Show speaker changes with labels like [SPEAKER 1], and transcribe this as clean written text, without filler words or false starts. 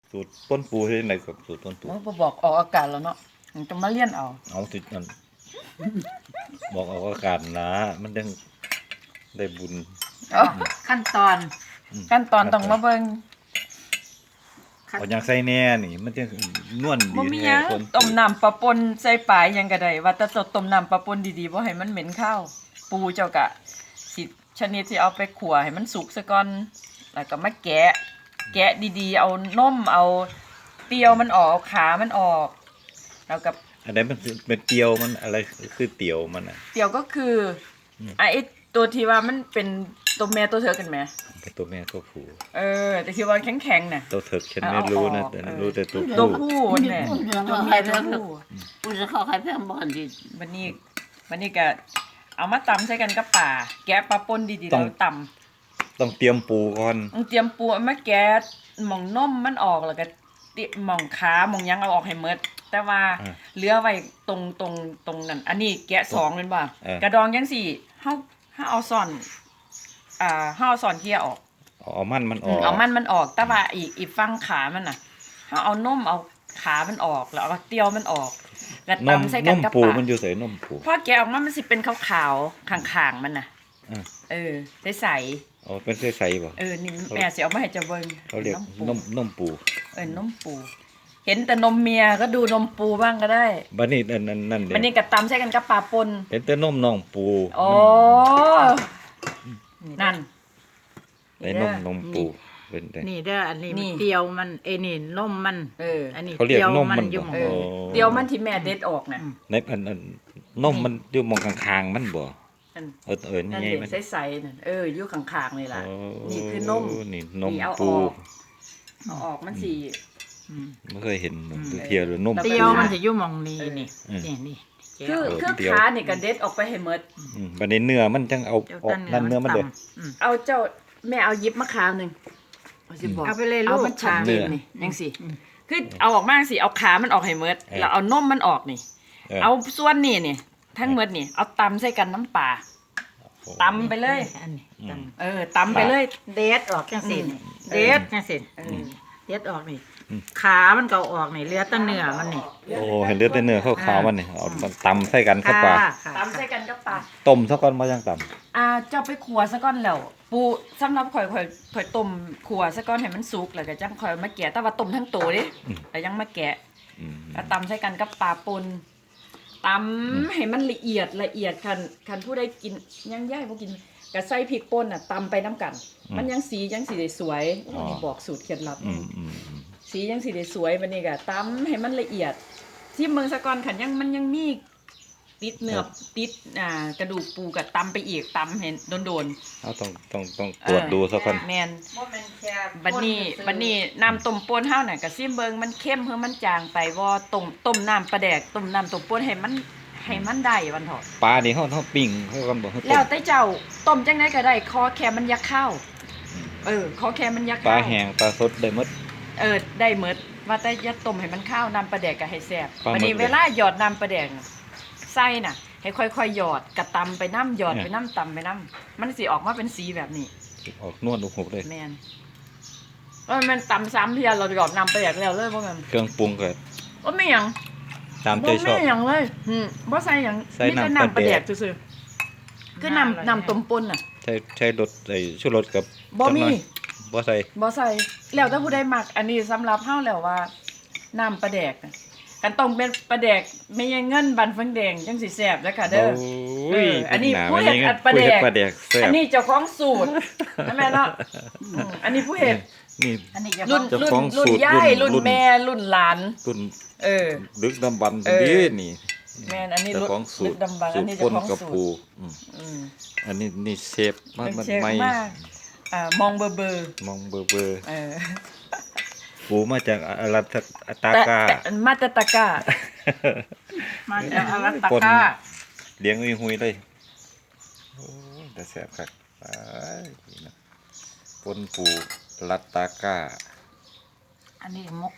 [SPEAKER 1] สูตรต้นปูที่ไหนกับสูตรต้นปู
[SPEAKER 2] โอ้บ่บอกออกอากาศแล้วเนาะมันจะมาเลี่ยนเอา
[SPEAKER 1] เอาติดนั่นบอกเอาอากาศนะมันยังได้บุญ
[SPEAKER 3] ขั้นตอน
[SPEAKER 2] ขั้นตอนต้องมาเบิ่ง
[SPEAKER 1] เอาอย่างใส่แน่นี่มันจะนวลดี
[SPEAKER 2] บ่มีห
[SPEAKER 1] แน่
[SPEAKER 2] ยัง
[SPEAKER 1] คน
[SPEAKER 2] ต้มน้ำปลาปนใส่ปลาหยังก็ได้ว่าแต่สดต้มน้ำปลาปนดีๆบ่ให้มันเหม็นข้าว ปูเจ้าก็สิชนิดที่เอาไปขั่วให้มันสุกซะก่อนแล้วก็มาแกะดีๆเอานมเอาเปรี้ยวมันออกเอาขามันออกแล้วก็
[SPEAKER 1] อันนั้นมันเป็นเตียวมันอะไรคือเตียวมันอ่ะ
[SPEAKER 2] เปรี้ยวก็คือไอ้ตัวที่ว่ามันเป็นตัวแม่ตัวเธอกันไหม
[SPEAKER 1] เป็นตัวแม่ตัวผู้
[SPEAKER 2] แต่ที่ว่าแข็งๆน่ะ
[SPEAKER 1] ตัวเถิกฉันไม่รู้นะแต่รู้แต่ตัว
[SPEAKER 2] ตัว
[SPEAKER 1] ผู้
[SPEAKER 2] ผู้เนี่ยตัวเมียตัวผู้
[SPEAKER 3] กูจะเข้าใครเพิ่มบ่อนดิ
[SPEAKER 2] วันนี้ก็เอามาตำใส่กันกับป่า แกะปลาป่นดีๆแล้วตำ
[SPEAKER 1] ต้องเตรียมปูก่อน
[SPEAKER 2] ต้องเตรียมปูเอามาแกะหม่องนมมันออกแล้วก็หม่องขาหม่องหยังเอาออกให้หมดแต่ว่าเหลือไว้ตรงนั้นอันนี้แกะสองเลยว่ากระดองยังสี่เฮาเอาซ่อนเฮาเอาซ่อนเกียออก
[SPEAKER 1] เอามันออก
[SPEAKER 2] เอามันออกแต่ว่าอีกฝั่งขามันน่ะเฮาเอานมเอาขามันออกแล้วเอาเตียวมันออกแล้ว
[SPEAKER 1] นม
[SPEAKER 2] ตำใส่
[SPEAKER 1] น
[SPEAKER 2] กัน
[SPEAKER 1] ม
[SPEAKER 2] กับ
[SPEAKER 1] ปู
[SPEAKER 2] ปลา
[SPEAKER 1] มันอยู่ใส่นมปู
[SPEAKER 2] พอแกะออกมามันสิเป็นขาวๆข้างๆมันน่ะ ใส
[SPEAKER 1] อ๋อเป็นใสๆป่ะ
[SPEAKER 2] นี่แม่สิเอามาให้เจะเบิ่ง
[SPEAKER 1] เขาเรียกนมปู
[SPEAKER 2] นมปู เห็นแต่นมเมียก็ดูนมปูบ้างก็ได้
[SPEAKER 1] บัดนี้นั่นเด้
[SPEAKER 2] มันนี่ก็ตำใส่กันกับปลาปน
[SPEAKER 1] เห็นแต่นมน้องปู
[SPEAKER 2] อ๋อนั่น
[SPEAKER 1] ไอ้นมปูเป็นแต่
[SPEAKER 3] นี่เด้ออันนี้
[SPEAKER 2] นี่
[SPEAKER 3] เตียวมันนี่นมมัน อันนี้
[SPEAKER 1] เขาเรียกนมมัน
[SPEAKER 3] อยู่
[SPEAKER 2] เอ
[SPEAKER 3] หม้
[SPEAKER 2] อ
[SPEAKER 1] โอ้
[SPEAKER 2] เดี๋ยวมันที่แม่เด็ดออกน่ะ
[SPEAKER 1] ในอันนมมันอยู่มองข้างๆมันบ่
[SPEAKER 2] นั่น
[SPEAKER 1] นี่
[SPEAKER 2] นั่น
[SPEAKER 1] ไง
[SPEAKER 2] เด็
[SPEAKER 1] มัน
[SPEAKER 2] ใสๆนั่นอยู่ข้างๆเลยล่ะ
[SPEAKER 1] โอ้
[SPEAKER 2] นี่คือนม
[SPEAKER 1] นี่นม
[SPEAKER 2] นี่เอาอ
[SPEAKER 1] ปู
[SPEAKER 2] อกเอาออกมันสิ
[SPEAKER 1] ไม่เคยเห็นเทียหรือนม
[SPEAKER 3] เตียวมันจะอยู่หมองนี้นี่นี่
[SPEAKER 2] คือขานี่ก็เด็ดออกไปให้หมด
[SPEAKER 1] บัดนี้เนื้อมันจังเอาออกนั่นเนื้อมันเด้อ
[SPEAKER 2] เอาเจ้าแม่เอายิบมะขามหนึ่งสิบอก
[SPEAKER 3] เอาไปเลยลู
[SPEAKER 2] เอา
[SPEAKER 3] ก
[SPEAKER 2] มันชัดเจน
[SPEAKER 1] เนื้อ
[SPEAKER 2] นี่ยังสิคือเอาออกมาสิเอาขามันออกให้หมดแล้วเอานมมันออกนี่ เอาส่วนนี่นี่ทั้งหมดนี่เอาตำใส่กันน้ำปลาตำไปเลย
[SPEAKER 3] อันนี้ตำ
[SPEAKER 2] ตำไปเลย
[SPEAKER 3] เด็ดออกจังซี่นี่
[SPEAKER 2] เด็
[SPEAKER 3] เด็
[SPEAKER 2] ด
[SPEAKER 3] ดจังซี่เด็ดออกนี่ขามันก็ออกนี่เหลือแต่เนื้อมันนี่
[SPEAKER 1] โอ้เห็นเลือดแต่เนื้อขาวๆมันนี่เอาตำใส่กันเข้าไป
[SPEAKER 2] ตำใส่กันกับปลา
[SPEAKER 1] ต้มซะก่อนมาจังตำ
[SPEAKER 2] เจ้าไปขัวซะก่อนแล้วปูสำหรับข่อยต้มขัวซะก่อนให้มันสุกแล้วก็จังข่อยมาแกะแต่ว่าต้มทั้งตัวเด้แล้วยังมาแกะ แล้วตำใส่กันกับปลาปนตำให้มันละเอียดคันผู้ใดกินยังย่ายบ่กินก็ใส่พริกป่นน่ะตำไปน้ำกัน มันยังสีได้สวยนี่บอกสูตรเคล็ดลับสียังสีได้สวยบัดนี้ก็ตำให้มันละเอียดที่เมืองสะกอนคันมันยังมีติดเนื้อติดกระดูกปูก็ตำไปอีกตำเห็นโดน
[SPEAKER 1] เอาต้องตรวจดูซะก่อน
[SPEAKER 2] แม่นบัดนี้น้ำต้มป่นเฮาน่ะก็ซิมเบิงมันเข้มเพิ่มมันจางไปบ่ต้มน้ำปลาแดกต้มน้ำต้มป่นให้มันได้วันเถอะ
[SPEAKER 1] ปลานี่เขาปิ้งเขากันบ่เขาต้
[SPEAKER 2] แล้ว
[SPEAKER 1] ม
[SPEAKER 2] แต่เจ้าต้มจังไดก็ได้คอแค่มันยักข้าวคอแค่มันยัก
[SPEAKER 1] ปลา
[SPEAKER 2] ข้าว
[SPEAKER 1] แห้งปลาสดได้หมด
[SPEAKER 2] ได้หมดว่าแต่อย่าต้มให้มันข้าวน้ำปลาแดกก็ให้แซ่บ
[SPEAKER 1] ปลาหมึก
[SPEAKER 2] บัดนี้เวลาหยอดน้ำปลาแดกน่ะใส่น่ะให้ค่อยๆหยอดกระตำไปน้ำหยอดไปน้ำตำไปน้ำมันสิออกมาเป็นสีแบบนี้
[SPEAKER 1] ออกนวดอุกหุบเลย
[SPEAKER 2] แม่นมันตำซ้ำเพียเราหยอดน้ำปลาแดกแล้วเลยว่ามัน
[SPEAKER 1] เครื่องปรุงก็
[SPEAKER 2] ว่าไม่หยัง
[SPEAKER 1] ตามใจชอบ
[SPEAKER 2] บ่มีหยังเลยบ่ใส่หยัง
[SPEAKER 1] ใส่
[SPEAKER 2] มีแต่
[SPEAKER 1] น้ำปลา
[SPEAKER 2] น้ำปลาแด
[SPEAKER 1] แด
[SPEAKER 2] ก
[SPEAKER 1] ก
[SPEAKER 2] ซื่อๆคือน้ำต้มป่นน่ะ
[SPEAKER 1] ใช้รสไอ้ชูรสกับ
[SPEAKER 2] บ่มี
[SPEAKER 1] บ่ใส่
[SPEAKER 2] บ่ใส่แล้วแต่ผู้ใดมักอันนี้สำหรับเฮาแล้วว่าน้ำปลาแดกน่ะกันต้องเป็นปลาแดกไม่ยังเงินบันฟังแดงจังสิแซ่บเด้อค่ะเด้อ
[SPEAKER 1] โอ้ย
[SPEAKER 2] อันนี้
[SPEAKER 1] หา
[SPEAKER 2] ผู้เฮ็ด
[SPEAKER 1] ไว้
[SPEAKER 2] อัดปลาแดก
[SPEAKER 1] ผู้เฮ็ปลาแดกแซ่บ
[SPEAKER 2] อันนี้เจ้าของสูตรใช่ไหมเนาะอันนี้ผู้เฮ็ด
[SPEAKER 1] นี่
[SPEAKER 3] อันนี้จะ
[SPEAKER 2] รุ่น
[SPEAKER 1] เจ้าของ
[SPEAKER 2] รุ่น
[SPEAKER 1] สูตร
[SPEAKER 2] ยาย
[SPEAKER 1] รุ่
[SPEAKER 2] รุ่
[SPEAKER 1] น
[SPEAKER 2] นแม่รุ่นหลาน
[SPEAKER 1] รุ่น
[SPEAKER 2] เออ
[SPEAKER 1] ดึกดำบรรพ์
[SPEAKER 2] เออ
[SPEAKER 1] ดีนี่
[SPEAKER 2] แม่นอันนี้
[SPEAKER 1] เจ้า
[SPEAKER 2] รุ่น
[SPEAKER 1] ของสูตร
[SPEAKER 2] ดำบัง
[SPEAKER 1] สู
[SPEAKER 2] อัน
[SPEAKER 1] ตร
[SPEAKER 2] นี้
[SPEAKER 1] ป
[SPEAKER 2] เจ้าน ของ
[SPEAKER 1] กับ
[SPEAKER 2] สู
[SPEAKER 1] ปู
[SPEAKER 2] ตร อืม
[SPEAKER 1] อันนี้เชฟมัน
[SPEAKER 2] เป็นเชฟ
[SPEAKER 1] ไม่
[SPEAKER 2] มากมองเบอร์
[SPEAKER 1] มองเบอร์
[SPEAKER 2] เออ
[SPEAKER 1] ปูมาจากอารัตตา
[SPEAKER 2] แต่
[SPEAKER 1] กา
[SPEAKER 2] มาตะตะกร้า
[SPEAKER 3] มาจากอรัต
[SPEAKER 1] ปน
[SPEAKER 3] กา
[SPEAKER 1] เลี้ยงหุยเลยโอ้ยแต่แซ่บคักไปนี่นะปนปูรัตตากา
[SPEAKER 3] อันนี้มก